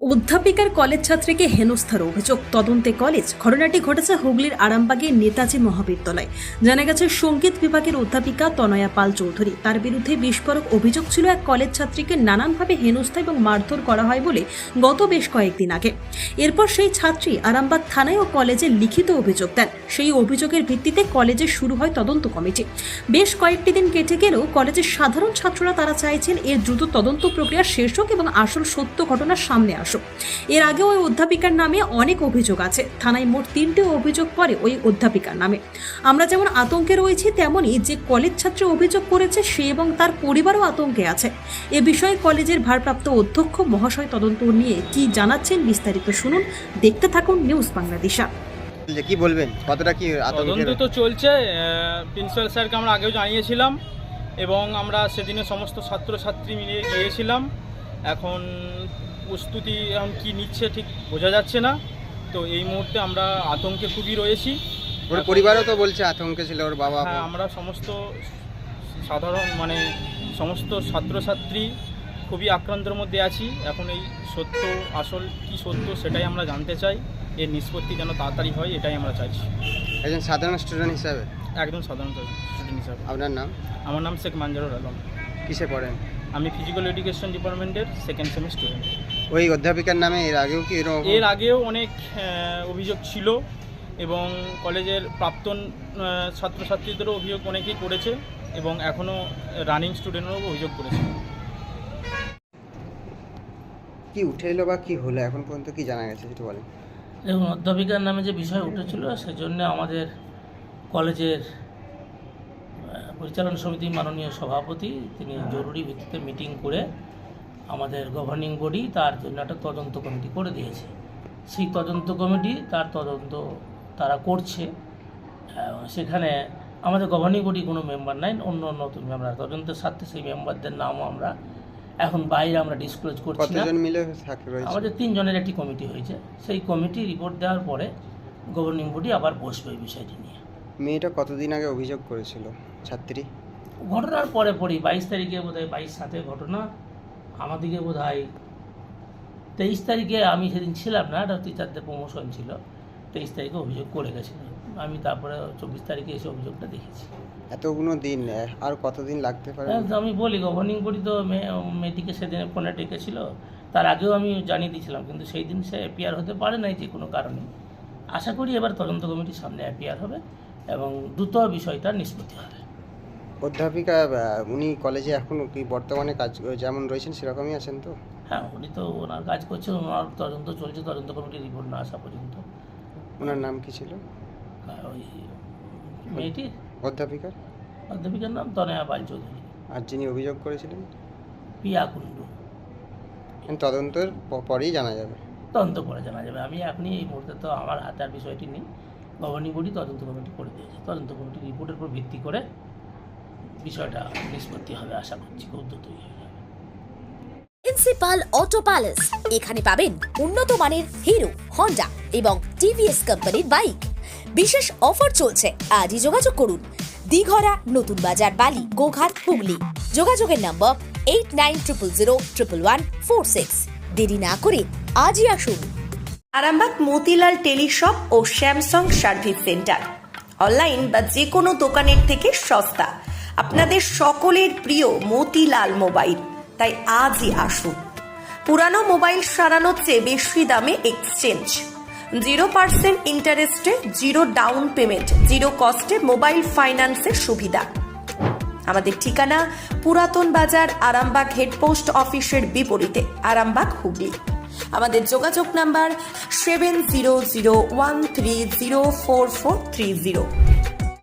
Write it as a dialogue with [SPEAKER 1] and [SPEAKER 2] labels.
[SPEAKER 1] অধ্যাপিকার college ছাত্রীকে হেনস্থার অভিযোগ, তদন্তে কলেজ। ঘটনাটি ঘটেছে হুগলির আরামবাগের নেতাজি মহাবিদ্যালয়। জানা গেছে, সঙ্গীত বিভাগের অধ্যাপিকা তনয়া পাল চৌধুরী, তার বিরুদ্ধে বিস্ফোরক অভিযোগ ছিল এক কলেজ ছাত্রীকে নানানভাবে হেনস্থা এবং মারধর করা হয় বলে গত বেশ কয়েকদিন আগে। এরপর সেই ছাত্রী আরামবাগ থানায় ও কলেজে লিখিত অভিযোগ দেন। সেই অভিযোগের ভিত্তিতে কলেজে শুরু হয় তদন্ত কমিটি। বেশ কয়েকটি দিন কেটে গেলেও কলেজের সাধারণ ছাত্ররা তারা চাইছেন এর দ্রুত তদন্ত প্রক্রিয়া শেষ হোক এবং আসল সত্য ঘটনা সামনে আসুক। এর আগে ওই অধ্যাপিকার নামে অনেক অভিযোগ আছে। থানায় মোট 3টে অভিযোগ পড়ে ওই অধ্যাপিকার নামে। আমরা যেমন আতঙ্কে রয়েছি, তেমনই যে কলেজ ছাত্রী অভিযোগ করেছে সে এবং তার পরিবারও আতঙ্কে আছে। এ বিষয়ে কলেজের ভারপ্রাপ্ত অধ্যক্ষ মহাশয় তদন্ত নিয়ে কি জানাচ্ছেন বিস্তারিত শুনুন। দেখতে থাকুন নিউজ বাংলাদেশ।
[SPEAKER 2] কি বলবেন, কতটা কি
[SPEAKER 3] তদন্ত তো চলছে। প্রিন্সিপাল স্যারকে আমরা আগেও জানিয়েছিলাম এবং আমরা সেদিনে সমস্ত ছাত্রছাত্রী মিলে গিয়েছিলাম। এখন প্রস্তুতি এখন কী নিচ্ছে ঠিক বোঝা যাচ্ছে না। তো এই মুহূর্তে আমরা আতঙ্কে খুবই রয়েছি।
[SPEAKER 2] ওর পরিবারও তো বলছে আতঙ্কে ছিল ওর বাবা।
[SPEAKER 3] হ্যাঁ, আমরা সমস্ত সাধারণ সমস্ত ছাত্রছাত্রী খুবই আক্রান্তের মধ্যে আছি। এখন এই সত্য আসল কি সত্য সেটাই আমরা জানতে চাই। এর নিষ্পত্তি যেন তাড়াতাড়ি হয়, এটাই আমরা চাইছি।
[SPEAKER 2] একজন সাধারণ স্টুডেন্ট হিসাবে?
[SPEAKER 3] একদম সাধারণ স্টুডেন্ট হিসাবে।
[SPEAKER 2] আপনার নাম?
[SPEAKER 3] আমার নাম শেখ মানজারুল আলম।
[SPEAKER 2] কিসে পড়েন?
[SPEAKER 3] আমি ফিজিক্যাল এডুকেশন ডিপার্টমেন্টের সেকেন্ড সেমিস্টার স্টুডেন্ট।
[SPEAKER 2] ওই অধ্যাপিকার নামে এর আগেও কি
[SPEAKER 3] এর আগেও অনেক অভিযোগ ছিল এবং কলেজের প্রাক্তন ছাত্রছাত্রীদেরও অভিযোগ অনেকেই করেছে এবং এখনও রানিং স্টুডেন্টরাও অভিযোগ করেছে।
[SPEAKER 2] কি উঠে এলো বা কি হলো এখন পর্যন্ত কি জানা গেছে একটু বলেন।
[SPEAKER 4] দেখুন, অধ্যাপিকার নামে যে বিষয় উঠেছিল সেজন্য আমাদের কলেজের পরিচালনা সমিতির মাননীয় সভাপতি তিনি জরুরি ভিত্তিতে মিটিং করে আমাদের গভর্নিং বডি তার জন্য একটা তদন্ত কমিটি করে দিয়েছে। সেই তদন্ত কমিটি তার তদন্ত তারা করছে। সেখানে আমাদের গভর্নিং বডি কোনো মেম্বার নাই, অন্য নতুন মেম্বার। তদন্তের সাথে সেই মেম্বারদের নামও আমরা এখন বাইরে আমরা ডিসক্লোজ করছি না।
[SPEAKER 2] কতজন মিলে থাকে রয়েছে?
[SPEAKER 4] আমাদের 3 জনের একটি কমিটি হয়েছে। সেই কমিটি রিপোর্ট দেওয়ার পরে গভর্নিং বডি আবার বসবে এই বিষয়টি নিয়ে।
[SPEAKER 2] মেয়েটা কতদিন আগে অভিযোগ করেছিল ছাত্রী?
[SPEAKER 4] ঘটনার পরে 22 তারিখে বোধহয় 22/7 ঘটনা। আমাদিকে বোধহয় 23 তারিখে, আমি সেদিন ছিলাম না, একটা টিচারদের প্রমোশন ছিল। 23 তারিখে অভিযোগ করে গেছিল। আমি তারপরে 24 তারিখে এসে অভিযোগটা দেখেছি।
[SPEAKER 2] এতগুলো দিন আর কতদিন লাগতে পারে?
[SPEAKER 4] আমি বলি, গভর্নিং বডি তো মেয়েটিকে সেদিনে ফোনে ডেকেছিল। তার আগেও আমি জানিয়ে দিয়েছিলাম, কিন্তু সেই দিন সে অ্যাপিয়ার হতে পারে নাই যে কোনো কারণে। আশা করি এবার তদন্ত কমিটির সামনে অ্যাপিয়ার হবে এবং দ্রুত বিষয়টা নিষ্পত্তি হবে।
[SPEAKER 2] অধ্যাপিকা উনি কলেজে এখন কি বর্তমানে কাজ যেমন রয়েছেন সেরকমই আছেন তো?
[SPEAKER 4] হ্যাঁ, উনি তো ওনার কাজ করছেন, ওনার তদন্ত চলছে। তদন্ত কমিটির রিপোর্ট না আসা পর্যন্ত।
[SPEAKER 2] ওনার নাম কি ছিল
[SPEAKER 4] ওই মেয়েটির অধ্যাপিকার নাম তনয়া পাল চৌধুরী।
[SPEAKER 2] আর যিনি অভিযোগ করেছিলেন?
[SPEAKER 4] পিয়া কুণ্ডু।
[SPEAKER 2] তদন্তের পরেই জানা যাবে।
[SPEAKER 4] তদন্ত করে জানা যাবে। আমি এখনই এই মুহূর্তে তো আমার হাতে আর বিষয়টি নেই। গভর্নিং বডি তদন্ত কমিটি করে দিয়েছে। তদন্ত কমিটির রিপোর্টের উপর ভিত্তি করে বিষয়টা নিষ্পত্তি হবে। আশা করছি খুব দ্রুতই হয়ে যাবে।
[SPEAKER 5] প্রিন্সিপাল অটো প্যালেস, এখানে পাবেন উন্নত মানের হিরো, হন্ডা এবং টিভিএস কোম্পানির বাইক। বিশেষ অফার চলছে, আজই যোগাযোগ করুন। দিঘরা, নতুন বাজার, বালি, গোঘাট, হুগলি। যোগাযোগের নম্বর 8900011146। দেরি না করে আজই আসুন।
[SPEAKER 6] আরামবাগ মতিলাল টেলিশপ ও স্যামসাং সার্ভিস সেন্টার, অনলাইন বা যে কোনো দোকানের থেকে সস্তা। আপনাদের সকলের প্রিয় মতিলাল মোবাইল, তাই আজই আসুন। পুরানো মোবাইল সারানোর চেয়ে বেশি দামে এক্সচেঞ্জ, 0% ইন্টারেস্টে, 0 ডাউন পেমেন্ট, 0 কস্টে মোবাইল ফাইন্যান্সের সুবিধা। আমাদের ঠিকানা পুরাতন বাজার, আরামবাগ হেডপোস্ট অফিসের বিপরীতে, আরামবাগ, হুগলি। আমাদের যোগাযোগ নাম্বার 7001304430।